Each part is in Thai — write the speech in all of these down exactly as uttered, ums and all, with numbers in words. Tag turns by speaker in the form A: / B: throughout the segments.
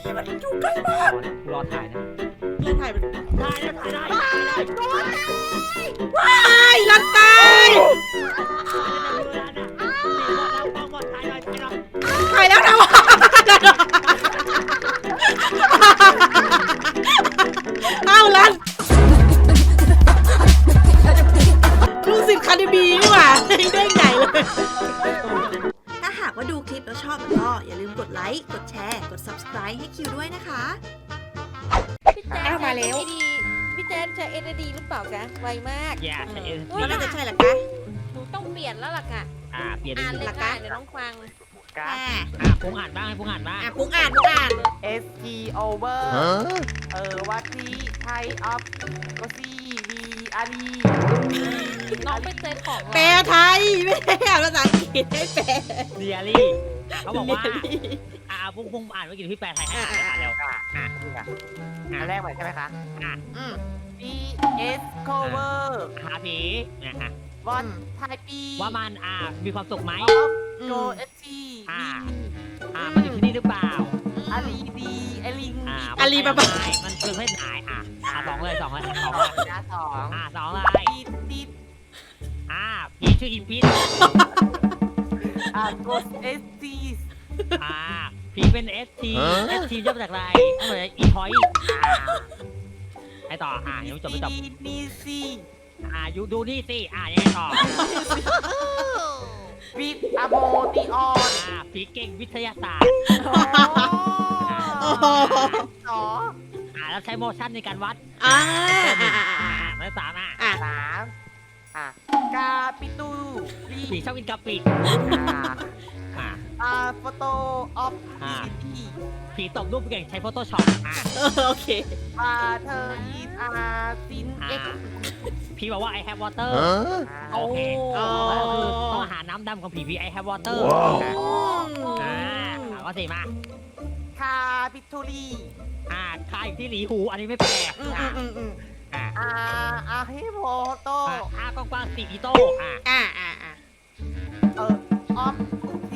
A: มันอยู่ใกล้มาก
B: รอถ่ายนะ
A: นี่ถ่ายมัน
B: ถ่ายได้ถ่ายได้ถ่ายได้
A: ว้ายรันตาย ถ่ายแล้วนะวะเอาลันลูกศิษย์คาเดบีนี่หว่าเด้งใหญ่เลย ถ้าหากว่าดูคลิปแล้วชอบก็อย่าลืมกดไลค์ กดแชร์ กด ซับสไครบ์ ให้คิวด้วยนะคะ
C: พี่แจ๊
A: อ้าวมาแล้ว
C: พี่แจ๊ใช้เอสดีหรือเปล่าคะไวมาก
B: อย่าใช้เอส
A: ก็น่าจะใช่แหละคะ
C: หนูต้องเปลี่ยนแล้วล่ะค่ะ
B: อ่าเปลี่ยน
C: อ่าน
B: เป็น
C: เลยค่ะเดี๋ยวน้องฟัง
A: อ่า
B: อ่าปุ้งอ่านบ้างให้ปุ้งอ่านบ้าง
A: อ่ะปุ้งอ่านปุ้งอ่าน
D: S T over เออวัตทีไทยออฟก็ซีวีอารี
C: น้องไปเจอของ
A: แปลไทย ไม่ได้อ่านภาษาอังกฤษให้แปล
B: เดียรี่เขาบอกว่าอ่าปุ้งปุ้งอ่านเมื่อกี้พี่แปลไทยให้อ่านแล้ว
D: อ่ะอ่ะนี่อ่ะอันแรกใหม่ใช่ไหมคะ
B: อ่า
A: อืม
D: B S cover
B: หาผีนะฮะ
D: what ไทยปี
B: ว่ามันอ่ามีความสุขไหม
D: of go S T
B: อ่าอ่ามันอยู่ที่นี่หรือเปล่า
D: อารีดีไอลิง
B: อ่า
A: อาลีบาบา
B: มันคือเพศไหนอ่ะอ่าสองเลยสองเลยสองเลย
D: นะสอง
B: อ่าสองเลย
D: ติดติด
B: อ่าผีชื่ออีพิษ
D: อ่ะ go S T
B: อ่าผีเป็นเอสทีเอสทีย่อมาจากอะไรเหมือนอีพอยให้ต่ออ่ายังไม่จบไม่จบ
D: ดีซี
B: อ่าอยู่ดูนี่สิอ่ายังไงต่อ
D: วิดอะโมติออน
B: อ่าผีเก่งวิทยาศาสตร์
A: โอ้โห
D: สอง
B: อ่าแล้วใช้โมชั่นในการวัด
A: อ่า
B: อ่า
A: อ่าอ่า
B: อ่า
A: อ่า
B: แล้วสามอ่ะ
A: อ่ะ
D: สามอ่ะกาปิตูวี
B: ผีชอบกินกะปิ
D: อ่ะ
B: อ่า
D: อ่าโฟโตออฟ
B: อ่า
D: พี
B: ผีตบรูปเก่งใช้ Photoshop อ่า
A: เออโอเค
D: อ่าเธออีทอาซิน
B: อ่า
D: เอ็กซ์
B: ผีบอกว่า I have water
A: โอ้
B: โอเค
A: อ๋อ
B: ก็คือต้องหาน้ำดำของผีผี I have water อ่าก็สี่มา
D: คาปิทูลี
B: อ่าคาอยู่ที่หลีหู อันนี้ไม่แปล
A: อืม
B: อ่า
A: อืมอืม
B: อ่า
D: อ่าอาฮิโมโต
B: อ่าอากว้างๆสีอีโต้อ่า
A: อ่าอ่าอ่า
D: เออออฟที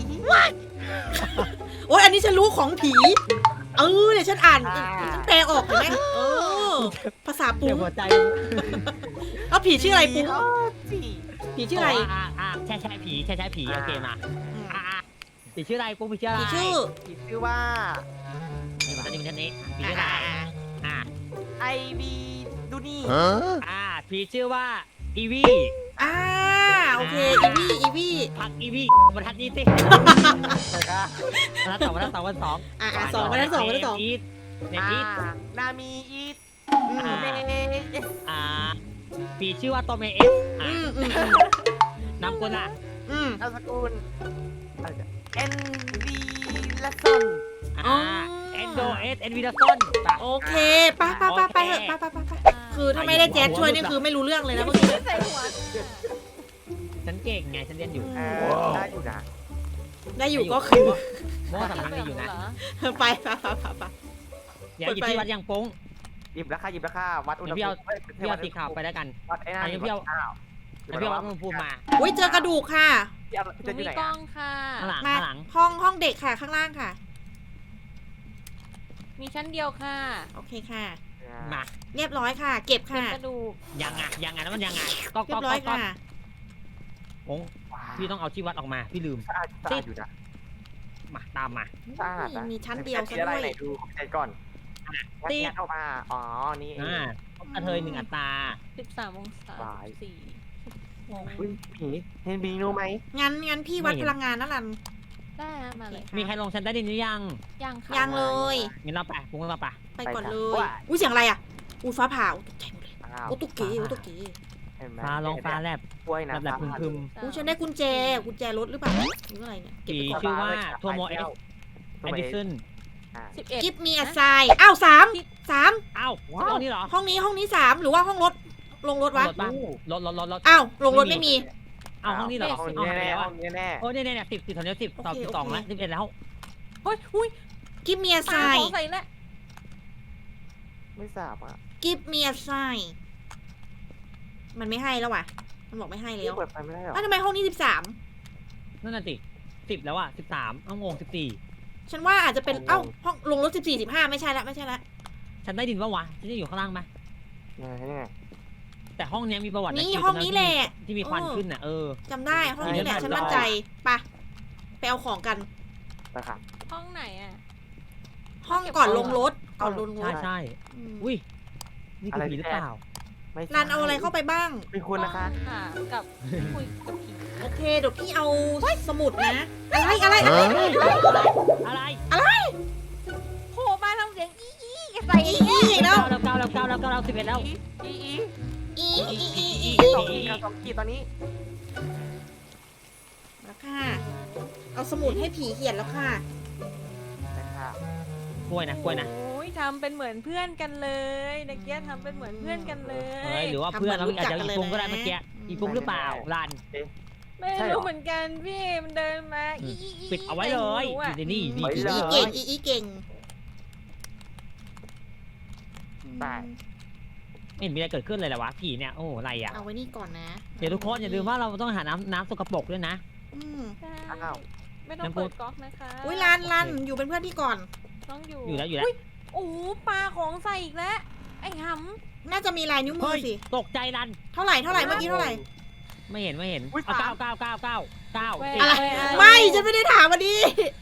A: โอ้ยอันนี้ฉันรู้ของผี เออเดี๋ยวฉันอ่านฉันแปลออกเห็นไหมเออ ภาษาปุ้
B: เดี๋ยว
A: ง
B: หัวใจ
A: แล้วผีชื่ออะไรปุ้ง
D: ออที
A: ผีชื่ออะไร
B: อ่าอ่าใช่ใช่ผีใช่ใช่ผีโอเคมาอ่าอ่าผีชื่ออะไรปุ๊บผีชื่ออะไร
A: ผีชื่อ
D: ที่ชื่อว่า
B: นี่มาอันนี้มันนี้ผี
A: อ่า
B: ชื่ออะไร
A: อ่า
B: อ่า
D: ไอบีดูนี่
B: อ่าผีชื่อว่าอีวี
A: อ่าโอเค อีวี่อีวี่
B: พักอีวีบรรทัดนี้สิ
D: เลยค่ะ
B: บรรทัดสองบรรทัดสองบรรทัดสอง
A: อ่าอ่าสองมาแล้วสองมาแล้วสอง
B: อีทเน
D: อ่า
B: อีท
D: นามีอีท
A: อืม
D: เมเอส
B: อ่าผีชื่อว่าโตเมเอสอ่า
A: อืมอืม
B: นามกุลอ่ะ
A: อืม
D: นามสกุลเอ็นดีละซน
A: อ๋
B: อ่า
A: อ
B: เอนโดเอสเอ็นวีดาซอน
A: โอเคไปไปไปไปเถอะไปไปไปไปคือถ้าไม่ได้แจ๊ดช่วยนี่คือไม่รู้เรื่องเลยนะเมื่อกี้
C: ใส่หัว
B: ฉันเก่งไงฉันเรียนอยู่
D: เออได้อยู่นะ
A: ได้อยู่ก็คือ
B: เมื่อวานสำคัญดีอยู่นะ
A: ไปไปไปไปไป
B: เดี๋ยวหยิบที่วัดยังโป้ง
D: หยิบราคาหยิบราคาวัดอุณห
B: เดี๋ยว
D: ภู
B: พี่เอา
D: มิ
B: พี่เอาสีขาวไปแล้วกัน
D: วัดไอ้นั่
B: อั
D: น
B: นนี้พี่เอา
D: อ้าว
B: แล้วพี่เอาวัดอุณหภูมิมา
A: อุ้ยเจอกระดูกค่ะ
D: พี่เอา
C: ห
D: จะ
C: นู
D: อยู่
C: มี
D: ไหน
C: กล้อ
D: อ่ะ
C: งค่ะ
B: ข้างหลัง
A: มา
B: ข้างหลัง
A: ห้องห้องเด็กค่ะข้างล่างค่ะ
C: มีชั้นเดียวค่ะ
A: โอเคค่ะ
B: มา
A: เรียบร้อยค่ะ เก็บ
C: เป็น
A: ค่ะ
C: กระดูก
B: ยังไงยังไงแล้วมันยังไงก็
A: เรี
B: ก็
A: ยบร้อย
B: ก็
A: ค่ะ
B: โป้งพี่ต้องเอาที่วัดออกมาพี่ลืม
D: สะอาดสะอาดอยู่นะ
B: มาตามมา
D: สะอาดนะ
A: มีชั้นเดียวซะ
D: มีอะไร
A: ด้วย
D: ไหนดูใจก่อน
B: ติ๊
D: งัดออกมาอ๋อนี่เอง
B: อ่ากระเทยหนึ่งอัตรา
C: สิบสามองศา
D: บาย
C: สี่
D: อุ้ยผีเห็นบีนูไหม
A: งั้นงั้นพี่วัดพลังงานนั่นแหละ
C: ได้ฮะมาเลย
B: มีใครลงชั้นใต้ดินหรือยัง
C: ยังค่ะ
A: ยังเลย
B: งั้นเราไปปุ้งเราไป
A: ไปก่อนเลย อุ้ยเสียงอะไรอ่ะ อุ้ยฟ้าผ่าตกใจหมดเลย
D: อ้าว
A: โอ้ตุ๊กเก๋โอ้ตุ๊กเก๋
D: เห็นไหม
B: ฟ้าลองฟ้าแลบ
D: กล้วยนะ
B: แลบแลบพึมพึม
A: อุ้ยฉันได้กุญแจ กุญแจรถหรือเปล่าหรืออะไรเนี่ยเก็บ
B: ผี
A: ไปก่อน
B: ชื่อว่าทัวโมเอส
D: ตั
B: แอ
D: ว
B: ด
D: เอ
B: ดิ
D: ส
B: สัน
C: สิบเอ็ด
A: กิฟมีอะไซอ้าวสามสาม
B: อ้าวห้องนี้เหรอ
A: ห้องนี้ห้องนี้สามหรือว่าห้องรถ ลงรถวะ
B: รถบ้างรถรถรถรถ
A: อ้าว ลงรถไม่มี
B: อ้าวห้องนี้เหรอ
D: ห้อง
B: อ้าว
D: นี้
B: หายไป
D: แน่
B: แล้ว
D: ห้
B: อ่ะ
D: องนี้แน่
B: โอ้เนี่ยเนี่ยสิบสิบตอนนี้สิบต่อ
A: โอเค
B: สิบสอง
A: โอเค
B: แล้วสิบเอ็ดแล้ว
C: เฮ้ยอุ้ย
A: กิฟมีอะไซ
C: ตาของใส่แล้ว
D: ไม่ทราบอ่ะ
A: กิฟมีอะไซมันไม่ให้แล้วว่ะ มันบอกไม่ให้แล้ว
D: เปิดไฟไม่ได้หรอ
A: อ้าวทำไมห้องนี้สิบสาม
B: นั่นน่ะสิสิบแล้วอ่ะสิบสามอ้าวงงสิบสี่
A: ฉันว่าอาจจะเป็นเอ้าห้องลงรถสิบสี่สิบห้าไม่ใช่ละไม่ใช่ละ
B: ฉันได้ดินปะวะฉันจะอยู่ข้างล่างไหม
D: ยังไงยังไง
B: แต่ห้องเนี้ยมีประวัติะ
A: นี่
B: ที่
A: ห้องนี้แหละ
B: ที่มีควันขึ้นน่ะเออ
A: จำได้ห้องนี้แหละฉันมั่นใจไปะไปเอาของกัน
D: ไปค่ะ
C: ห้องไหนอ่ะ
A: ห้องก่อนลงรถก่อนลงร
B: ใช่
A: ถ
B: ใช่
A: อืม
B: อุ้ยนี่คือผีหรือเปล่า
D: ไม่ใช่
A: รันเอาอะไรเข้าไปบ้าง
D: เป็นคุณนะคะ
C: ห้องหากับคุยกับผี
A: โอเคเดี๋ยวพี่เอาสมุดนะอะไรอะไรอะไร
B: อะไร
C: โผล่มาทำเสียงอีอีใส่
A: อีอีอีกแล้ว
B: เก้าแล้วเก้าแล้วเก้าแล้วเก้าแล้วสิบเอ็ดแล้ว
D: อีอี
A: อีอีอีอี
D: อีสองขีดกับสองขีดตอนนี้
A: แล้วค่ะเอาสมุดให้ผีเขียนแล้วค่ะ
D: นะคะ
B: กล้วยนะกล้วยนะ
C: โอ้ยทำเป็นเหมือนเพื่อนกันเลยตะเกียทำเป็นเหมือนเพื่อนกันเล
B: เฮ้
C: ย
B: ยหรือว่าเพื่อนเราอาจจะอีฟุ้งก็ได้เมื่อกี้อีฟุ้งหรือเปล่ารัน
C: ไม่รู้เหมือนกันพี่มันเดินมาอีอีอี
B: ปิดเอาไว้เลย
C: ไม่รู้อะ
B: นี่นี่นี่
A: อีอีเก่งอีอีเก่ง
D: ตาย
B: ไม่เห็นมีอะไรเกิดขึ้นเลยเหรอวะผีเนี่ยโอ้อะไรอ่ะ
A: เอาไว้นี่ก่อนนะ
B: เดี๋ยวทุกคนอย่าลืมว่าเราต้องหาน้ำน้ำสกปรกด้วยนะ
A: อืม
C: ใช่
D: อ้าว
C: ไม่ต้องเปิดก๊อกนะคะ
A: อุ้ยรันรันอยู่เป็นเพื่อนพี่ก่อน
C: ต้องอยู่
B: อยู่แล้วอยู่แล้ว
C: โอ้โหปลาของใส่อีกแล้วไอ้ห
A: น่าจะมีลายนิ้วมื
B: เฮ้
A: อย สิ
B: ตกใจรัน
A: เท่าไหร่เท่าไหร่เมื่อกี้เท่าไหร่
B: ไม่เห็นไม่เห็นเอาเก้าเก้าเก้าเก้าเก้า
C: ำ Where
A: อะไร
C: are
A: ไม่ฉันไม่ได้ถามวันนี้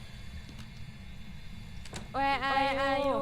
C: Where are are you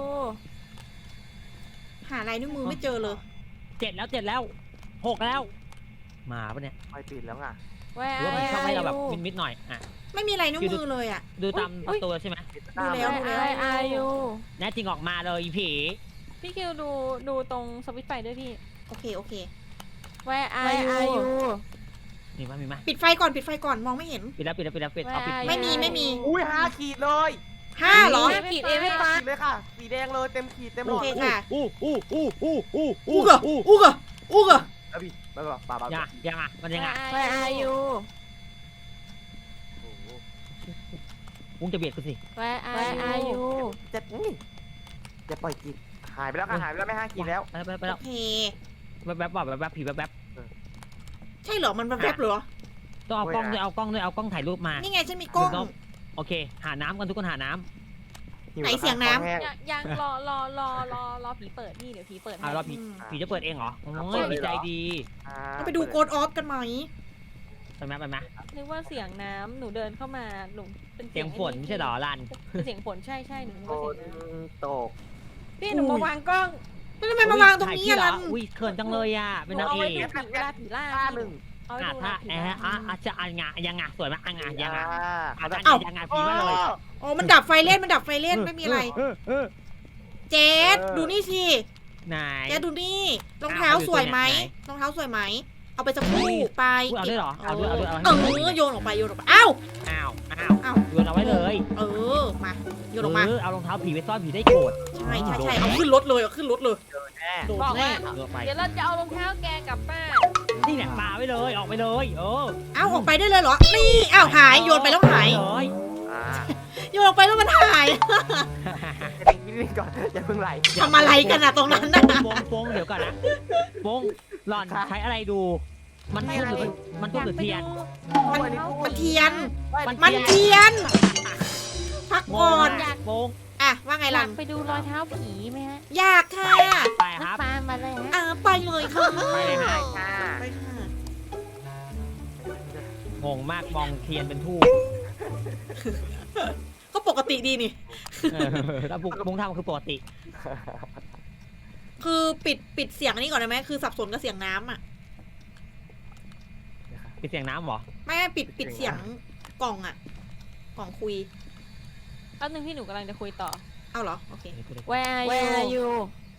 A: หาลายนิ้วมือไม่เจอเลย
B: เจ็ดแล้วเจ็ดแล้วหกแล้วมาปะเนี่ย
D: ไฟปิดแล้วไง
B: ห
C: Where
B: รือว่ามันชอบให้
C: are
B: เราแบบ
C: you
B: มิดๆหน่อยอ่ะ
A: ไม่มีลายนิ้วมือเลยอ่ะ
B: ดูตาม
C: อุ๊ย
B: ตัวใช่ไหม
A: ดูแล้ว
C: Where are you
B: แน่จริงออกมาเลยอีผี
C: พี่คิวดูดูตรงสวิตช์ไฟด้วยพี่
A: โอเคโอเค
C: Where are you
B: มีมั้ยมีมั้ย
A: ปิดไฟก่อนปิดไฟก่อนมองไม่เห็น
B: ปิดแล้วปิดแล้วปิดแล้วปิดเอาปิด
C: Where are
A: ไม่มีไม่มี
D: อุ้ยห้าขีดเลย
A: ห้าเหรอ
C: ขีดเอไม่ปา
D: ขีดเลยค่ะ สีแดงเลยเต็มขีดเต็มหล
A: โอ
D: อด
A: เคค่ะ
B: อู้อู้อู้อู้อู้
A: อู้กะอู้กะอู้กะ
D: แล้วพี่แล้วก็ปาปา
B: ยังยังอ่ะมันยังอ่ะ
C: Where are you
B: วุ้งจะเบียดกูสิ
C: Where are you
D: จะนี่จะปล่อยขีดหายไปแล้วค่ะหายไปแล้วไม่ห้าขีดแล้ว
B: ไปไปไปแล้
A: โอ
B: ว
A: เค
B: แวบแวบแวบแวบผีแวบแวบ
A: ใช่เหรอมันแวบๆเหรอ
B: ต้องเอากล้องด้วยเอากล้องด้วยเอากล้องถ่ายรูปมา
A: นี่ไงฉันมีกล้อง
B: โอเค หาน้ำกันทุกคนหาน้
A: ไหนเสียงน้ำ
C: ยังยังรอรอรอรอรอผีเปิดนี่เดี๋ยวผีเปิด
B: ำ
C: ให้
B: อ่ารอผี
A: อืม
B: ผีจะเปิดเองเหรอโอ้ยดีใจดี
D: อ่า
A: เราไปดูโกดออฟกันไหม
B: ไปไหมไปไหม
C: นึกว่าเสียงน้ำหนูเดินเข้ามาหนูเป็น
B: เสียงฝนไม่ใช่เหรอรัน
C: เสียงฝนใช่ใช่หนูนึก
D: โด
C: ว่าเสีย
D: น
C: งน้
D: ตก
C: ำพี่หนูมาวางกล้อง
A: แล้วทำไมมาวางตรงนี้
B: ถ่ย
A: อะ
B: เหร
A: รั
B: อน อุ้ยเขินจังเลยอ่ะเป็นนาง
C: เอา
B: เอ
C: ไว้
B: ก
C: ดูผีเวลาผีล่า
D: ห้าหนึ่ง
C: เอาไว้
B: อ่ะ
C: ดูเว
B: ถ้า
C: ลาผี
B: เอ
C: ล่า
B: ออ่ะอ่ะจะอันงะยังงะสวยไหมอันงะยังงะ
D: อ่า
B: อ่ะ
D: เขา
B: อั
D: จะ
B: นงะยังงะผีมาเลย
A: อ๋อมันดับไฟเล่นมันดับไฟเล่นไม่มีอะไร
B: เออเออ
A: เจสดูนี่สิ
B: ไหน
A: เจสดูนี่รองเท้าสวยไหมรองเท้าสวยไหมเอาไปสักคู่ไป
B: อุ๊ยเอาด้วยเหรอเอาด้วยเอาด้วยเอา
A: เอ
B: ด้วย
A: อโยนออกไปโยนออกไปอ้าว
B: อ้าวอ้าว
A: อ้าว
B: โยนเอาไว้เลย
A: เออมาโยนออกมา
B: เออเอารองเท้าผีไปซ่อนผีได้โกรธ
A: ใช่ใช่ใช่เอาขึ้นรถเลยเอาขึ้นรถเลย
D: แน่
B: โดด
C: บอก
B: แน่
C: ว่า
B: เออไป
C: เดี๋ยวเราจะเอารองเท้าแกกลับบ้าน
B: นี่แหละปาไว้เลยออกไปเลยเออ
A: เอาออกไปได้เลยเหรอนี่อ้าวหายโยนไปแล้วหาย
B: เลย
D: อ่า
A: โยนออกไปแล้วมันหาย
D: เด็กนิดนึงก่อนอย่าเพิ่งไหล
A: ทำอะไรกันอะตรงนั้นน่ะ
B: โปงโปงเดี๋ยวก่อนนะโปงหล่อนใช้อะไรดู มันทูบหรือมันมันทูบหรือเทียน
A: มันมันเทียน
B: มัน
A: มันเทียน พักก่อน
C: อยาก
B: โปง
A: อ่ะว่าไง
C: อ
A: ลั
C: ยาน กไปดูรอยเท้าผีไหมฮะ
A: อยากค่ะ
B: ไปครับ
C: ตามมาเลยฮะ
A: อ่ะไปเลยค่ะ
B: ไปเลยฮะ
D: ค่ะ
A: ไปค่ะ
B: งงมากมองเทียนเป็นทูบ
A: ก็ปกติดีนี่
B: เออแล้วปุ้งปุ้งทำคือปกติ
A: คือปิดปิดเสียงอันนี้ก่อนได้ไหมคือสับสนกับเสียงน้ำอ่ะ
B: เป็นเสียงน้ำเหรอ
A: ไม่ไม่ปิดปิดเสียงกล่องอ่ะ กล่องคุย
C: แป๊บนึงพี่หนูกำลังจะคุยต่อ
A: เอาเหรอ โอเค
C: Where are
A: Where are
C: you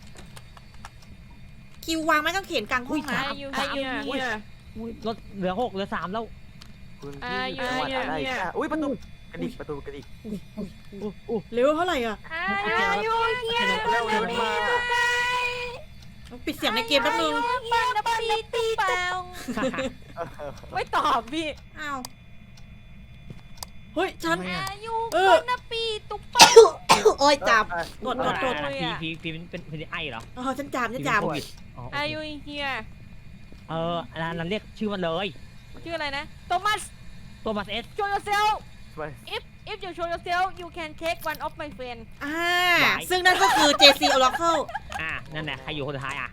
A: คิววางไม้กางเขนกลางห้องนะ
C: Are you here
B: อุ้ยรถเหลือหกเหลือสามแล้ว
D: คุณพี่
C: อ่า
D: จังหวัด
C: อยู่
D: อะไร
C: อยู่
D: อ่ะอุ้ยประตูกระดิกประตูกระดิก
B: อู้อู้
A: เร็วเท่าไหร่อ่ะ
C: Are you here
D: เร็วเร็วมาก
A: ปิดเสียงในเกมแป๊บนึง
C: ปังนะปีตีเปล่าไม่ตอบพี่
A: อ้าว เฮ้ย ฉัน
C: Are you
A: เออ
C: ปังนะปีตุ๊กปัง
A: โอ้ยจับ
D: เออ
A: กดกดกด
C: เลย
B: ผี
C: อะ
B: ผีผีเป็นเป็นเป็นไอเหรอ
A: เออฉันจามฉันจาม
B: ผีเป็นโควิดอ๋อโอ
C: Are
B: เค
C: you here
B: เออร้านนั้นเรียกชื่อมันเลย
C: ชื่ออะไรนะโทมัส
B: ตัวมาสเอส
C: show yourself
D: ไป
C: if if you show yourself you can take one of my friend
A: อ่าซึ่งนั่นก็คือ เจ ซี Oracle
B: อ่ะนั่นแหละใครอยู่คนสุดท้ายอ่ะ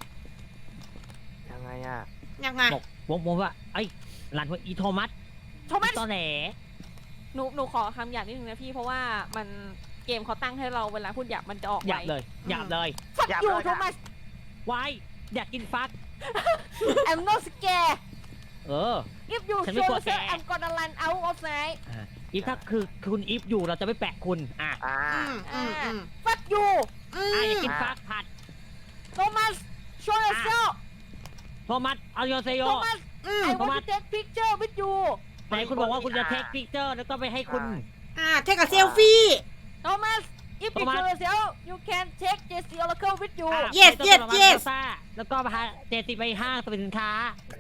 D: ยังไงอ่ะ
A: ยังไง
B: บอกวงวงว่าไอ้ยรันว่าอีโทมัส
C: โทมัส
B: ตอแหล
C: หนูหนูขอคำหยาบนิดนึงนะพี่เพราะว่ามันเกมเขาตั้งให้เราเวลาพูดหยาบมันจะออก
B: หยาบ
C: ไว
B: เลยหยาบเลย
C: ฟัก
D: หยาบ
C: ยู
D: เลย
C: โทมัส
B: วายอยากกินฟัก
C: I'm not scared
B: เออ
C: if you
B: ฉัน
C: show
B: ไม่กลัวแก
C: yourself I'm gonna run out of night
B: อีฟถ้าคือคุณอีฟอยู่เราจะไม่แปะคุณอ่ะ
D: อ่า
A: อืมอืมอืม
C: fuck you
A: อื
B: อ่ะอยาก
A: ม
B: กินฟักผัด
C: Thomas show yourself
B: โทมัสเอาโยเซโย
C: Thomas
A: อืม
C: I
B: Thomas
C: want to take picture with you
B: ไหนคุณบอกว่าคุณจะเทคพิกเจอร์แล้วก็ไปให้คุณ
A: อ่าเทคกับเซลฟี่
C: Thomas if you
B: Thomas
C: show yourself you can take J C Oracle with you
B: อ่ะ
A: Yes
B: ไปต้น
A: yes
B: ผลไม้
A: yes
B: ซ่าแล้วก็พาเจติไปห้างสรรพสินค้า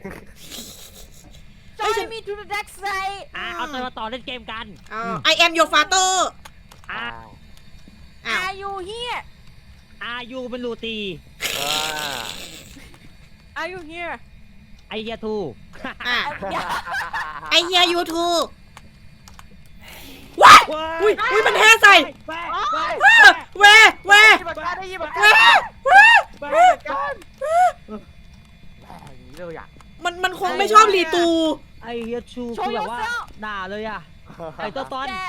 C: join me to the dark side
B: อ่ะเอาตัวมาต่อเล่นเกมกัน
A: อ่า I am your father
B: อ่ะ
A: อ้าว
C: Are you here
B: อายูเป็นลูตี
D: อ่า
C: Are you here
B: ไอเฮียทู
A: อ่า
C: อย่า
A: I hear you too ว้ายอุ้ยอุ้ยมันแท้ใส่
B: ไปไป
A: แวแว
D: ได้ยินเหมือนกันได้ยินเหมือน
A: แว
D: กัน
A: แว
B: ไป
D: ได้ยินเหมือนกันแหมอย่างนี้เลยอ่ะ
A: มันมันคงไม่ชอบรีตู
B: ไอเฮียชู
C: Show
B: คือแบบว่า
C: yourself
B: ด่าเลยอ่ะ ไอตัวตอน
C: แก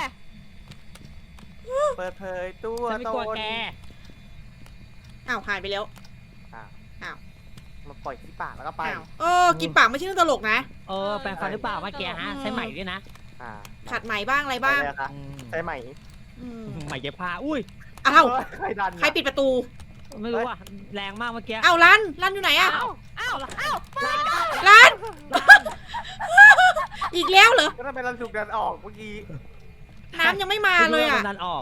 D: เปิดเผยตัว
B: ฉันไม่
D: ต
B: กลัวน แก
A: อ้าวหายไปแล้ว
D: อ้าว
A: อ้าว
D: มาปล่อยที่ปากแล้วก็ไป
A: อ้าวเออกินปากไม่ใช่เรื่องตลกนะ
B: เออแปลงฟันหรือเปล่าเมื่อกี้ฮะใช้ไหมด้วยนะ
D: อ่า
A: ขัดไหมบ้างอะไรบ้าง
D: ไปเลยค่ะ
B: อืม
D: ใช่ไหม
A: อืม
B: ไหมเย็บผ้าอุ้ย
A: อ้าว
D: ใครดัน
A: ใครปิดประตู
B: ไม่รู้อ่ะแรงมากเมื่อกี้
A: อ้าวรันรันอยู่ไหนอะ
C: อ้าวอ้าวอ้าวเปิดก่อน
A: รัน อีกแล้วเหรอ
D: ก็ทำไมเราถูกดันออกเมื่อกี้
A: น้ำยังไม่มาเลยอะ
B: ดันออก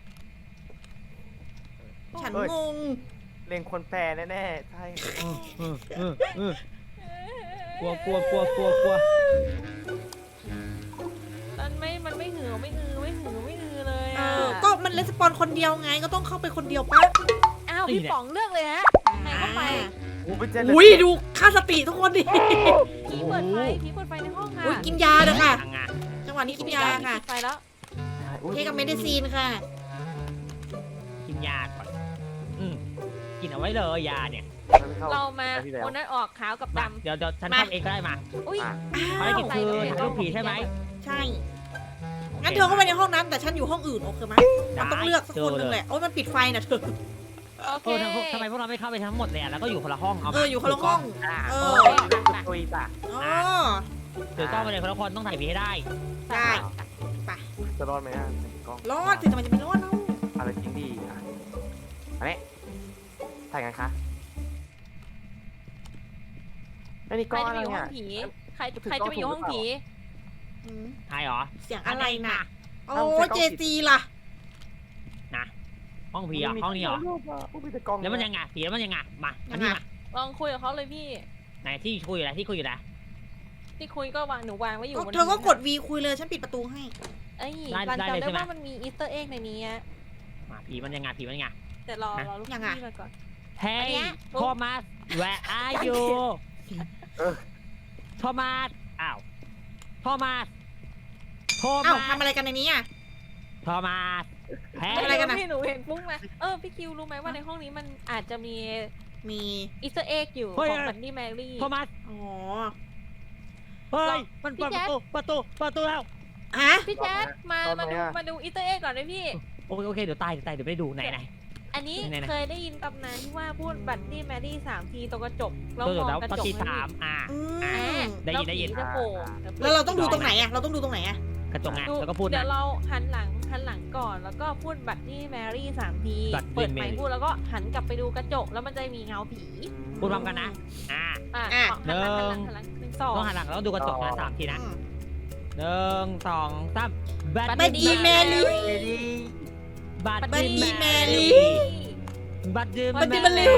A: ฉันงง
D: เลงคนแปรแน่ๆ ใช่
B: เออเออเออ กลัวกลัวกลัวกลัวกลัว
C: มันไม่มันไม่หือไม่อือไม่หือไม่อือเลย
A: เอ
C: อ่ะ
A: อก็มันレスปอนคนเดียวไงก็ต้องเข้าไปคนเดียวปะ
C: อ้าวพี่ป๋องเลือกเลยฮะใครเข้าไป
D: โอ้เป็นเจน
A: อุ้ยดูค่าสติทุกคนดิ
C: ผีเปิดไฟผีเปิดไฟในห้องค่ะ
A: อุ้ยกินยาเด้อค่ะ
B: ทางงาน
A: จังหวะนี้กินยาค่ะ
C: ปิดไฟแล้ว
A: เทกับเมดิซีนค่ะ
B: กินยาก่อนอืมกินเอาไว้เลยยาเนี่ย
C: เรามา
D: ที่แล้ว
C: โอนนั้นออกขาวกับ
B: มา
C: ดำ
B: เดี๋ยวเดี๋ยวฉัน
A: มา
B: ทำเองก็ได้มา
C: อุ้ย
D: อ่ะ
B: ภารกิจคือ
C: ใส่
B: ถ่ายรูปผีใช่ไหม
A: ใช่ งั้นเธอเข้าไปในห้องนั้นแต่ฉันอยู่ห้องอื่นโอเคไหมมันต้องเลือกสักคนหนึ่งแหละโอ้ยมันปิดไฟนะเธอ
C: โอเค
B: เออทำทำไมพวกเราไม่เข้าไปทั้งหมดเลยอ่ะแล้วก็อยู่คนละห้องเอา
A: เอออยู่คนละห้อง
D: อ่า
A: เอ
D: เอ
A: อ
D: อคุยจ้ะ
A: อ๋อ
B: ถือกล้องไปเลยคนละคนต้องถ่ายผีให้ได้
A: ได้
D: จะรอดไหมอ่ะกล้อง
A: รอดสิแต่มันจะไม่รอดเนาะ
D: อะไรจริงดีอ่ะอันนี้ถ่ายกันคะไอ้นี่
C: ใค
D: ก้
C: ร
D: อน
C: จะ
D: อะไร
C: ไปอยู่ห้
D: เนี่
C: อย งผี ใครใครจะไปอยู่ห้องผี
A: อืม
B: ถ่ายเหรอ
A: เสียงอะไรน่ะ โอ้
D: เอาใส่กล้อง
A: เจซีล่ะ
B: นะห้องผีอ่ะห้องนี้เหรอ
D: อุ้ยมีแต่กล้อง
B: แล้วมันยังไงผีแล้วมันยังไงมาอันนี้มา
C: ลองคุยกับเขาเลยพี่
B: ไหนที่คุยอยู่ไหนที่คุยอยู่ไหน
C: ที่คุยก็วางหนูวางไว้อยู่บน
A: เธอก็กด V คุยเลยฉันปิดประตูให้
C: เอ้ยรันจำได้ว่ามันมีอีสเตอร์เอ็กในนี้อะ
B: มาผีมันยังไงผีมันยังไง
C: แต่รอรอลูก
A: ยังไง
C: พี่มาก่อน
B: เฮ้
C: อัน
B: ย
C: เนี้ย
B: โทมัส where are you โทมัสอ้าวโทมัสโท
A: อ้าว
B: มัส
A: ทำอะไรกันในนี้อ่ะ
B: โทมัสเฮ้
A: ทำอะไร
B: ย
A: กันอะ
C: พี่หนูเห็นปุ้งมาเออพี่คิวรู้ไหมว่าในห้องนี้มันอาจจะมี
A: มี
C: อีสเตอร์เอ็กอยู่ของบันนี่แมรี่
B: โทมัส
A: อ๋อ
B: เฮ้ยมันเปิดประตูประตูประตูแล้ว
A: ฮะ
C: พี่แจ๊ดมามาดูมาดูอีสเตอร์เอ็กก่อนเลยพี่
B: โอเคโอเคเดี๋ยวตายเดี๋ยวตายเดี๋ยวไม่ได้ดูไหนไหน
C: อันนี้
B: ไหนๆ
C: เคยได้ยินตำนานที่ว่าพูดบัตนี่แมรี่สามทีตรงกระจกแล้ว
B: ตัว
C: มอง
B: แล้ว
C: กระ
B: ป
C: จก
B: ฏิสามอ่า
A: อื
C: อ่าม
B: ได้ยินได้ยิน
C: แล้วผีจะโผล่
A: แล้วเราต้องดูตรงไหนอ่ะ เราต้องดูตรงไหนอ่ะ
B: กระจกไง
C: ดู
B: แล้วก็พูด
C: เดี๋
B: นะ
C: ยวเราหันหลังหันหลังก่อนแล้วก็พูดบัตนี่แมรี่สามที
B: Bloody
C: เปิดไมค์
B: Mary
C: พูดแล้วก็หันกลับไปดูกระจกแล้วมันจะมีเงาผี
B: พูดพร้อมกันนะอ่า
C: อ่ะ
A: อ่ะ
C: หันหลังหันหลังหันหลังหนึ่งสอง
B: ต้องหันหลังแล้วดูกระจกนะสามทีนะ
A: อืม
B: หนึ่งสองสามบัต
A: Bloody Mary
B: บัต
A: Bloody Mary
B: บัต
A: Bloody Mary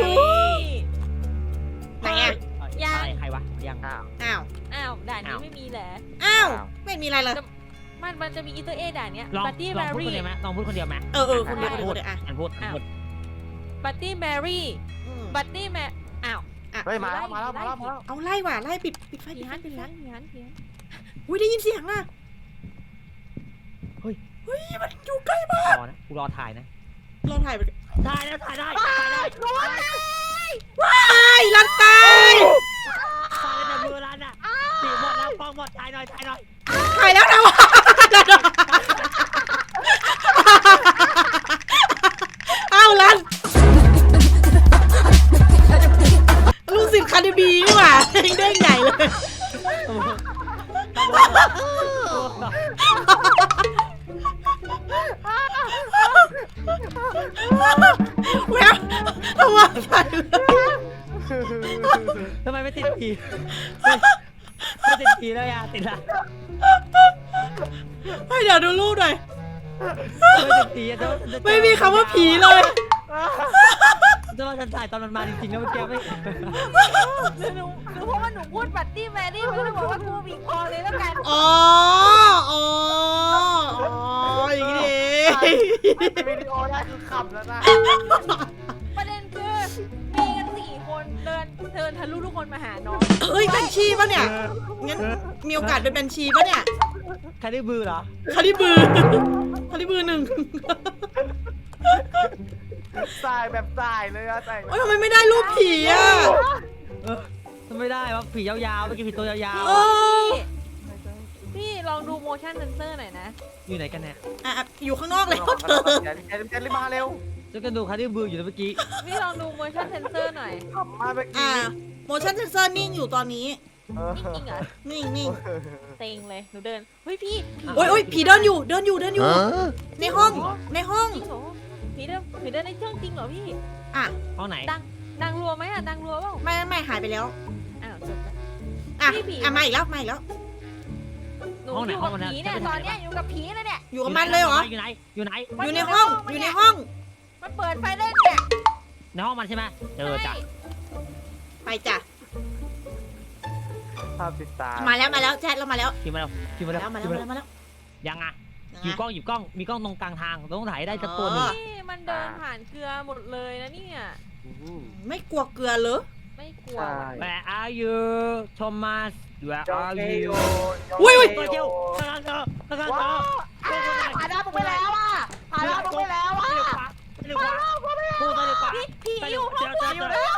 A: ไหนอ่ะ
B: ยังใครวะยัง
D: อ้าว
A: อ้าว
C: อ้าวด่านนี้
B: อ้าว
C: ไม่มีแหละ
A: อ้าว ไม่มีอะไรเลย
C: มันมันจะมีอีสเตอร์เอ็กด่านเนี้ย
B: ลอง
C: บัตตี้
B: ล
C: แม
B: องพูดคน
C: รี่
B: เดียวไหมลองพูดคนเดียวไหม
A: เออเออคนเดียวคนเดียวคนเดียวอ่ะ
B: อันพูดอันพูด
C: บัตตี้แมรี่
A: อืม
C: บัตตี้แมอ้าว
D: เฮ้ยมาแล้วมาแล้วมาแล้วมาแล้ว
A: เอาไล่ว่ะไล่ปิดปิดไฟ
C: ผี
A: ปิดไฟ
C: ฮัน
A: ปิ
C: ผี
A: ดไฟ
C: ฮันผีฮันผีฮัน
A: อุ้ยได้ยินเสียงอ่ะ
B: เฮ้ย
A: เฮ้ยมันอยู่ใกล้มาก
B: รอนะกูรอถ่ายนะ
A: เราถ่ายไป
B: ถ่ายแล้วถ่ายได้ถ่ายได้ถ่ายได้
A: ว้ายลันตาย
B: ถ่ายในมือร้านอ่ะสีหมดแล้วฟองหมดถ่ายหน่อยถ่ายหน่อย
A: ถ่ายแล้วนะวะอ้าวลันลูกศิษย์คาร์ดิบีนี่หว่าเด้งใหญ่เลย แววทำไมใส่เลย
B: ทำไมไม่ติดผีไม่ติดผีเลยอ่ะติดละ
A: ให้เดี๋ยวดูรูปหน่อย
B: ไม่ติดผีอ่ะ
A: ไม่มีคำว่าผีเลย
B: จะว่าฉันถ่ายตอนมันมาจริงๆแล้วเมื่อกี้ไม่
C: หรือหนูหรือเพราะว่าหนูพูดบัตตี้แมรี่มันก็เลยบอกว่ากูบีบคอเลยแล้วกัน
A: อ๋อ อ๋อ อ๋อ อย่างนี้เอง
D: วิดีโอได้คือขำแล้วนะ
C: ประเด็นคือมีกันสี่คนเดินเดินทะลุทุกคนมาหาน้อง
A: เฮ้ยเป็นชีปะเนี่ย งั้นมีโอกาสเป็นบัญชีปะเนี่ย
B: ใครได้บือเหรอ
A: คาริบือคาริบือหนึ่ง
D: สายแบบสายเลยอะสาย
A: โอ้ยทำไมไม่ได้รูปผีอ่ะ
B: เออทำไม่ได้วะผียาวๆเมื่อกี้ผีตัวยาว
A: เออ
C: พี่ลองดู motion sensor หน่อยนะ
B: ๆอยู่ไหนกันเนี่ย
A: อ่ะอยู่ข้างนอกแล้วเธอ
D: เดี๋ยวเดี๋ยวเดี๋ยวรีบมาเร็ว
B: จะกันดูใครได้บืออยู่นะเมื่อกี้
C: พี่ลองดู motion sensor หน่อย
D: ขำมาเมื่อ
A: อ่า
D: กี้
A: motion sensor นิ่งอยู่ตอนนี้
D: เออ
C: จริงเหรอ
A: นิ่งนิ่ง
C: เต็งเลยหนูเดินเฮ้ยพี่ผี
A: โอ้ยโอ้ยผีเดินอยู่ เดินอยู่ เดินอยู่ ในห้อง ในห้อง
C: จริงเหรอผีเดินผีเดินในเครื่องจริงเหรอพี่
A: อ่ะ
B: ห้องไหน
C: ดังดังรัวไหมอะดังรัวเปล่า
A: ไม่ไม่หายไปแล้ว
C: อ้าวจบแล้ว
A: อ่ะ
C: พี่ผี
A: อ่ะมาอีกแล้ว มาอีกแล้ว
C: หนูอยู่กับผีเนี่ยตอนเนี้ยอยู่กับผีเลยเนี่ย
A: อยู่กับมันเลยเหรอ
B: อยู่ไหนอยู่ไหน
A: อยู่ในห้อง อยู่ในห้อง
C: มันเปิดไฟเล่นเนี่ย
B: ในห้องมันใช่ไหมเจอจ้ะ
A: ไปจ้ะ
D: ภาพติดตา
A: มาแล้วมาแล้วแจ๊ดเรามาแล้ว
B: คิวมาแล้วคิวมา
A: มา
B: แล้ว
A: แล้วมา
B: คิ
A: แล้ว
B: ว
A: มา
B: มา
A: แล้
B: แล้ว ว
A: มาแล้ว
B: ยังอ่ะ
A: ยัง
B: หยิบ
A: ไง
B: กล้องหยิบกล้องมีกล้องตรงกลางทางเราต้องถ่ายให้ได้สักตัวหนึ่ง
A: อ๋อ
C: นี่มันเดินผ่านเกลือหมดเลยนะเนี่ย
A: ไม่กลัวเกลือเหรอ
C: ไม่กลัว
D: ใช่
B: Where are you Thomas Where
D: โย
B: are
D: เก
B: you
D: โย
A: อุ้ยอุ้ย
B: ตัวเดียวกำลังเจอกำลังเจ
D: ว้า
B: อ
D: วผ่านหน้าผมไปแล้วอ่ะผ่านหน้าผมไปแล้วอ่ะ
B: ตัวเดียวขวาตัวเดียวขวาตัวเดียวขวา
C: พี่ผี
B: ตัว
C: อ
B: เดียว
C: ยู่
B: เจอเจอเจอ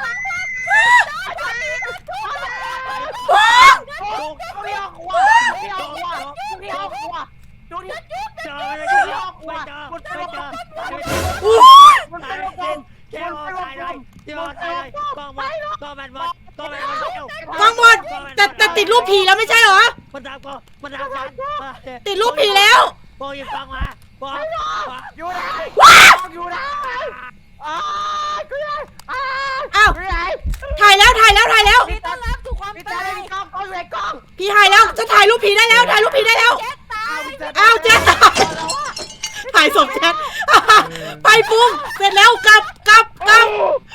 A: ว้าว
D: เรียกว่าเรียกว่าเรียกว่าดูดิ
B: เจอไม่เจอไม่เจอไม่เจอไม่เจอ
A: อู้
D: มันเป็นวงกลม
B: เจ้าตายเลยเจ้าตายเลยกล้องมันกล้องมันหมดกล้องมันหมดเจ้าก
A: ล้องหมดแต่แต่ติดรูปผีแล้วไม่ใช่เหรอ
B: มันดับกูมันดับฉัน
A: ติดรูปผีแล้ว
B: โบยิงกล้องมาโบ
D: อยู่ไหนอยู่ไหนอ้ากูไหนอ้า
A: อ้าว
D: อยู่ไหน
A: ถ่ายแล้วถ่ายแล้วถ่ายแล้ว
C: พี่ต้อนรับสู่ความ
D: พี่
C: ตา
D: ตาย ได้กล้องกล้องอยู่ไหนกล้อง
A: พี่ถ่ายแล้วจะถ่ายรูปผีได้แล้วถ่ายรูปผีได้แล้ว
C: แจ๊ดตาย
A: อ้าวแจ๊ดถ่ายศพแจ๊ดไปปุ้งเสร็จแล้วกลับกลับกลับ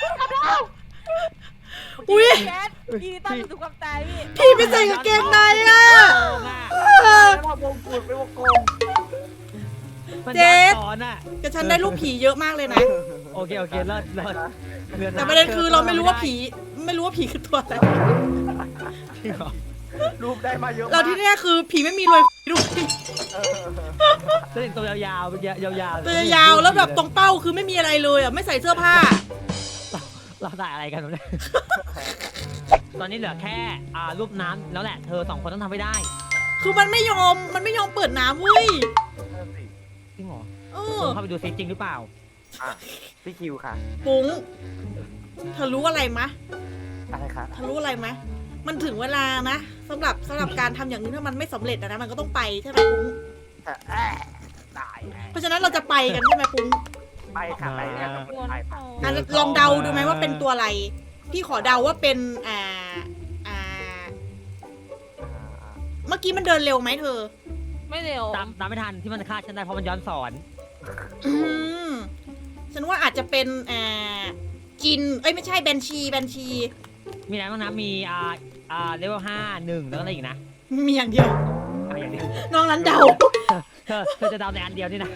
A: อุ้ย
C: แจ๊ดพี่ต้อนรับสู่ความตายพี่
A: พี่ไปใส่กางเกงในอ่ะเออ
D: แล้วพอวงกุดไปวงกลม
B: มันย้อนสอนอ่ะ
A: แต่ฉันได้รูปผีเยอะมากเลยนะ
B: โอเคโอเคเลิศเลิศ
A: แต่ประเด็นคือเราไม่รู้ว่าผีไม่รู้ว่าผีคือตัวอะไร
B: จริงเหรอ
D: รูปได้มาเยอะ
A: เราที่แน่คือผีไม่มีรอยด้วย
B: เล่นตัวยาวๆยาวๆ
A: ตัวยาวแล้วแบบตรงเป้าคือไม่มีอะไรเลยอ่ะไม่ใส่เสื้อผ้า
B: เราถ่ายอะไรกันเนี่ยตอนนี้เหลือแค่อ่ารูปน้ำแล้วแหละเธอสองคนต้องทำให้ได้
A: คือมันไม่ยอมมันไม่ยอมเปิดน้ำเว้ย
B: จริงเหรอ
A: เอ
B: ล
A: อ
B: องเข้าไปดูซิจริงหรือเปล่า
D: อ่ะพี่คิวค่ะ
A: ปุ้งเธอรู้อะไรมะ
D: อะไรคะ
A: เธอรู้อะไรมะมันถึงเวลานะสำหรับสำหรับการทำอย่างนี้ถ้ามันไม่สำเร็จอะนะมันก็ต้องไปใช่ไหมปุ้ง
D: แต่แอะตาย
A: เพราะฉะนั้นเราจะไปกันใช่ไหมปุ้ง
D: ไปค่ะไปค่ะไปไป
A: อ่ะลองเดาดูไหมว่าเป็นตัวอะไร พี่ขอเดาว่าเป็นอ่าอ่าเมื่อกี้มันเดินเร็วไหมเธอ
C: ไม่เร็ว
B: ตามตามไม่ทันที่มันฆ่าฉันได้เพราะมันย้อนสอน
A: อืมฉันว่าอาจจะเป็นอ่าจินเอ้ยไม่ใช่แบนชีแบนชี
B: มีอะไรบ้างนะมีอ่าอ่าเลเวลห้าหนึ่งแล้วก็อะไรอีกนะ
A: มีอย่างเดียว
B: อะไรอย่างเดียว
A: น้องนั้นเดา
B: เธอเธอจะเดาในอันเดียวนี่นะ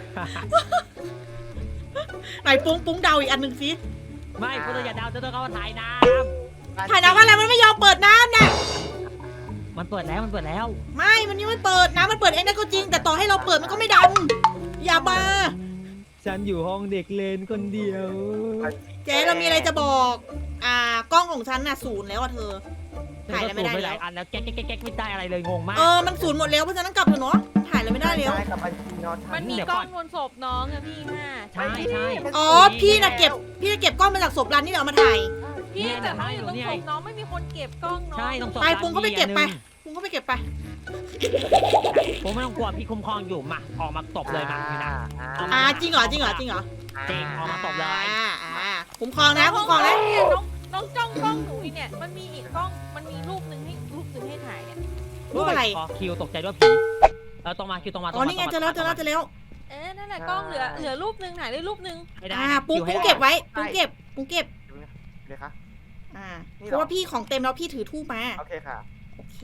A: ไหนปุ้งปุ้งเดาอีกอันหนึ่งสิ
B: ไม่คุณต้องอย่าเดาเธอต้องเข้ามาถ่ายน้
A: ถ่ายน้ำว่าอะไรมันไม่ยอมเปิดน้ำเนี่ย
B: ำมันเปิดแล้วมันเปิดแล้ว
A: ไม่มันยังไม่เปิดน้ำมันเปิดเองได้ก็จริง แต่ต่อให้เราเปิดมันก็ไม่ดำอย่ามา
B: ฉันอยู่ห้องเด็กเล่นคนเดียว
A: เจ๊เรามีอะไรจะบอก อ่ากล้องของฉันน่ะศูนย์แล้วอ่ะเธอ ถ่ายอะไรไม่ได้
B: ป
A: แล้
B: หลา
A: วย
B: อันแล้วแก๊กแก๊กแก๊กไม่ได้อะไรเลยงงมาก
A: เออมันศูนย์หมดแล้วเพราะฉะนั้นกลับเถอะเนาะถ่ายอะไรไม่ได้แล้ว
D: ได้กับบัญชีนอนทั
C: มันมีกล้องบนศพน้องอะพี่ห้า
B: ใช่ใช่
A: อ๋อพี่น่ะเก็บพี่น่ะเก็บกล้องมาจากศพรันนี่เดี๋ยวเอามาถ่าย
C: พี่
B: เนี่ย
C: แต่ถ้าอยู่ตรง
B: เนี่ย
C: ศพน้องไม่มีคนเก็บกล้องน้อง
B: ใช่ต้องสอบ
A: ไปปุ้งก็ไปเก็บไปปุ้งก็ไปเก็บไป
B: ผมไม่ต้องกลัวพี่คุ้มครองอยู่มาออกมาตบเลยมาพี่นะ
A: อ่าจริงเหรอจริงเหรอจริงเหรอ
B: จริงออกมาตบเลย
A: อ่าอ่าคุ้มครองนะคุ้มครองนะ
C: เนี่ยน้องน้องจ้องกล้องหนูอีกเนี่ยมันมีอีกกล้องมันมีรูปหนึ่งให้รูปหนึ่งให้ถ่ายเนี่ย
A: รูปอะไร
B: อ๋อคิวตกใจด้วยผีเออตรงมาคิวตรงมาตร
A: อ๋
B: ง
A: อ
B: มา
A: นี่ไงเจอแล้วเจอแล้วเจอแล้ว
C: เอ๊ะนั่นแหละกล้องเหลือเหลือรูปหนึ่งถ่ายได้รูปหนึ่ง
B: ไม่ได้
A: อ่า
B: นะ
A: ปุ้ง
B: คิวให้
A: ปุ้งเก็บไว้ปุ้งเก็บปุ้งเก็บ
D: เลยคะ
A: อ่า
D: นี่
A: เพ
D: เหรอ
A: ราะว่าพี่ของเต็มแล้วพี่ถือทูบมา
D: โอเคค่ะ
A: โอเค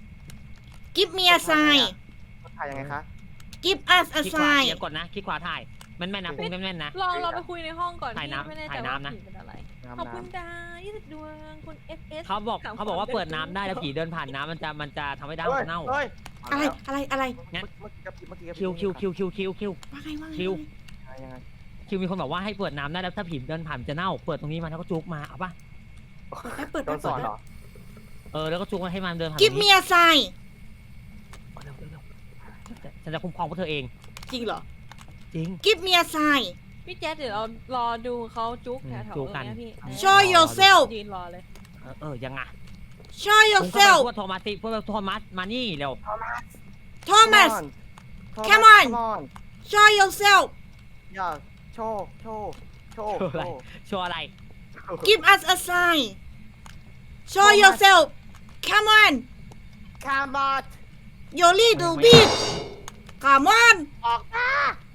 A: give me a sign
D: ถ่ายยังไงคะ
A: give us a
B: คลิกขวา
A: sign
B: เดี๋ยวกดนะคลิกขวาถ่ายแม่นๆนะปุ้งแม่นๆนะ
C: ลองเราไปคุยในห้องก่อน
B: ถ่ายน้ำ
C: พี่ไม่แน่ใจ
B: ถ่าย
C: ว่า
B: น้ำนะ
C: ผีเป็นอะไร
D: น้ำ
C: ขอบคุณ
D: น้ำ
C: ดายี่สิบดวงคุณ เอฟ เอส
B: เขาบอก
C: ถาม
B: เขาบอกว่า
C: ความ
B: เปิดน้ำได้แล้วผีเดินผ่านน้ำมันจะมันจะทำให้ดาว
D: เฮ้ย
B: เน่า
D: เฮ้ย
A: อะไรอะไรอะไร
B: งั้น
D: เมื่อกี้กับเมื่อกี้กับ
B: คิวคิวคิวคิวคิวคิว
A: ว่าไงว่าไง
B: คิว
D: ยังไง
B: คิวมีคนบอกว่าให้เปิดน้ำได้แล้วถ้าผีเดินผ่านมันจะเน่าเปิดตรงนี้มาแล้วก็จุกมาเอาปะ
A: แอปเปิด
D: โด
A: แอป
D: นส
A: เปิ
D: อน
A: ด
D: เหรอ
B: เออแล้วก็จุกมาให้มันเดินผ่าน
A: give me a sign
B: เร็วเร็วเร็วฉันจะคุ้มครองพวกเธอเอง
A: จริงเหรอ
B: จริง
A: give me a sign
C: พี่แจ๊ดเดี๋ยวเรารอดูเขาจุ๊ก
B: อืม
C: แถวๆ
B: จุ๊
C: ต
B: ก
C: ร
B: กั
C: ง
B: น
C: เนี้ยพี่
A: show yourself
C: ยืนรอเลย
B: เออเออยังไง
A: show
B: ผมเข้า
A: yourself
B: ไปพวกโทมัสสิพวกโทมัสมานี่เร็ว
A: Thomas Come on show yourself
D: อย่าโชว์โชว์โชว์
B: โชว์อะไร โชว์อะไร
A: give us a sign show yourself come on
D: คาร์บอท
A: your little bit come on
D: ออกมา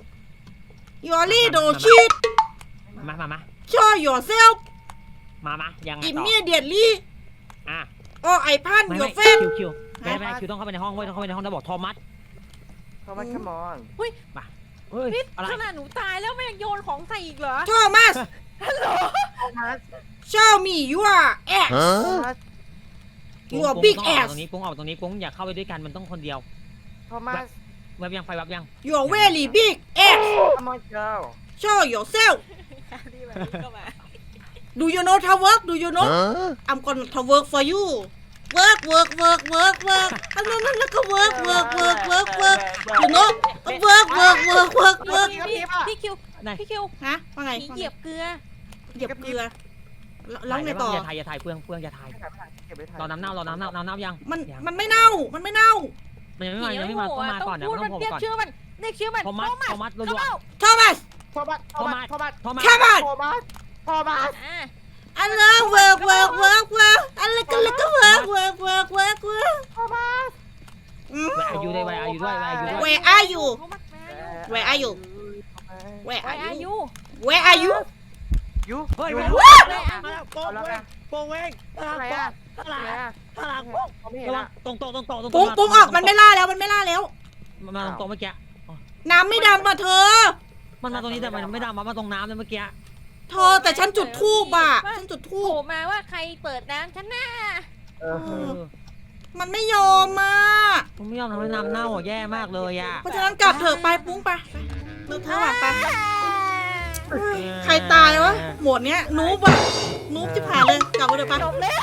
A: your little shit
B: มามามา
A: show yourself
B: มามายังไงต่อ
A: immediately
B: อ่ะ
A: or I punch
B: ไม่
A: your
B: ไม่
A: face
B: คิวคิวไม่ไม่คิวต้องเข้าไปในห้องเว้ยต้องเข้าไปในห้องแล้วบอกโทมัส
D: เข้ามาคัมอน
B: เฮ้ย
C: พี่
B: อะไร
C: ขนาดหนูตายแล้วมันยังโยนของใส่อีกเหรอ
A: Thomas
D: โทมัส
A: show me your ass
D: โทมัส
A: your
B: ปุ้ง
A: big
B: ปุ้งต้องออก
A: ass
B: ตรงนี้ปุ้งออกตรงนี้ปุ้งอย่าเข้าไปด้วยกันมันต้องคนเดียว
D: โทมัส
B: แวบยังไฟแวบยัง
A: your very big ass
D: Come on girl
A: show yourself
C: ที่แบบนี้ก็มา
A: do you know how work do you know I'm gonna to work for you work work work work work อันนั้นแล้วก็ work work work work work you know work work work work work
C: พี่พี่พี่คิว
B: ไหน
C: พี่คิว
A: ฮะว่าไง
C: ผีเหยียบเกลือ
A: เหยียบเกลือแล้วไงต่อ
B: อย่าถ่ายอย่าถ่ายเปลืองเปลืองอย่าถ่าย
D: เก็บไว้ถ่าย
B: รอน้ำเน่ารอน้ำเน่าน้ำเน่ายัง
A: มัน
B: ยัง
A: มันไม่เน่ามันไม่เน่า
B: มันยังไม่มายังไม่มาต้องมาก่อนนะ
C: พูด
B: ต้อ
C: มัน
B: งผม
C: เรียก
B: ก่อน
C: ชื่อมันเรียกชื่อมัน
B: โทมัสโทมัสรัว
C: เข้า
A: Thomas
D: โทมัสโทมัสโทมัส
B: ๆโทมัส
A: Come on
D: โทมัสโทมัส
C: อ่า
A: อันนั้น work work work work อันนั้นก็แล้วก็ work work work work work
D: โทมัส
A: อืม
B: แวร์อายุด้วยแวร์อายุด้วยแวร์อายุด้วย
A: Where are you
C: โทมัส
A: Where are you Where
C: Where
A: are
C: are
A: you
C: you
A: Where are you
D: ยู
B: เฮ้ย
D: ยู
B: มา
D: ยู
B: แล้วมาแล้วโป่งเว้งโป่งเว้งข้างห
D: อะไร
B: ลัง
D: อ่ะ
B: ข้างหลัง
D: อะไรอ่ะ
B: ข้างหลัง
D: เขาไม่เห็น
B: ระวัง
D: อ่ะ
B: ตรงโต๊ะตรงโต๊ะตรง
A: ปุ้
B: โต๊ะ
A: งปุ้งออกมันไม่ล่าแล้วมันไม่ล่าแล้ว
B: มันมาตรงโต๊ะเมื่อกี้
A: น้ำไม่ดำอ่ะเธอ
B: มันมาตรงนี้แต่มันไม่ดำมาตรงน้ำเลยเมื่อกี้
A: เธอแต่ฉันจุดทูบอ่ะฉันจุดทู
C: โผล่
A: บ
C: มาว่าใครเปิดน้ำฉันน่ะ
D: เออ
B: เออ
A: มันไม่ยอมอ่ะ
B: ผมไม่ยอมทำให้น้ำเน่าอ่ะแย่มากเลยอ่ะ
A: เพราะฉะนั้นกลับเถอะไปปุ้งไปเลิกเธอว่ะไปใครตายวะหมวดเนี้ยนูบอ่ะนูบจะผ่านเลยกลับไปเถอะไป
C: จบแล้ว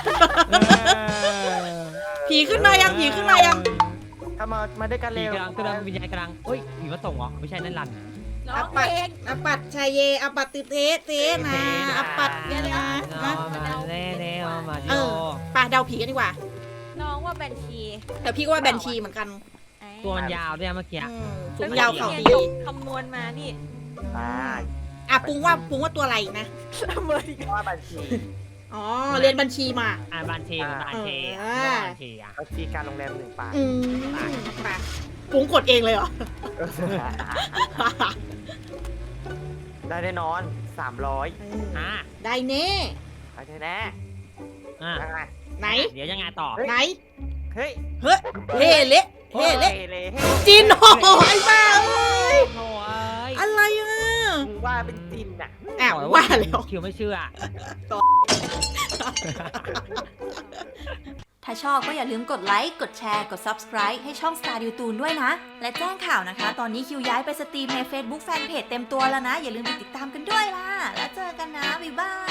A: ผีขึ้นมายังผีขึ้นมายัง
D: เข้ามามาด้วยกัน
B: ผี
D: เร็ว
B: กำลังกำลังวิญญาณกำลังเฮ้ยผีมาส่งเหรอไม่ใช่นั่นรัน
C: น้องเอง
A: อปัตชัยเยอปัตติเทเทนะอปัตเนี่ยนะนะ
B: มาเน่เน่มาดิ
A: เอ
B: โอ
A: อไปเดาผีกันดีกว่า
C: น้องว่าบัญชี
A: แต่พี่ก็ว่าแบนชีเหมือนกัน
B: ตัวมันยาวด้วยเมื่อกี้
A: อืมสูงยาวเข่าดี
C: คำนวณมานี่
D: อ่า
A: อ่ะปุ้งว่าปุ้งว่าตัวอะไรนะ
C: เมื่อกี้
D: ว่าบัญชี
A: อ๋อเรียนบัญชีมา
B: อ่าบันเทมันบันเท
A: อ่า
B: บันเทอ่ะ
D: บัญชีการโรงแรมหนึ่งปาก
A: อืมไปปุ้งกดเองเลยเหรอ
D: ได้แน่นอนสามร้อย
B: อ่า
A: ได้แน่
D: โอเคแน่
B: อ่า
D: ยังไง
A: ไหน
B: เดี๋ยวยังไงต่อ
A: ไหน
D: เฮ้ย
A: เฮ้ยเฮ่เละเฮ่เละ
D: เลย
A: จินโอ้ยบ้าเอ้ย
B: โอ้ย
A: อะไรอ่ะ
D: มึงว่าเป็นจินอ่ะ
A: อ้าวว่าแล้ว
B: คิวไม่เชื่อ
A: ท
E: ถ้าชอบก็อย่าลืมกดไลค์ กดแชร์ กด Subscribe ให้ช่อง Star ดิวตูนด้วยนะ และแจ้งข่าวนะคะ ตอนนี้คิวย้ายไปสตรีมใน Facebook Fanpage เต็มตัวแล้วนะ อย่าลืมไปติดตามกันด้วยล่ะ แล้วเจอกันนะ บ๊ายบาย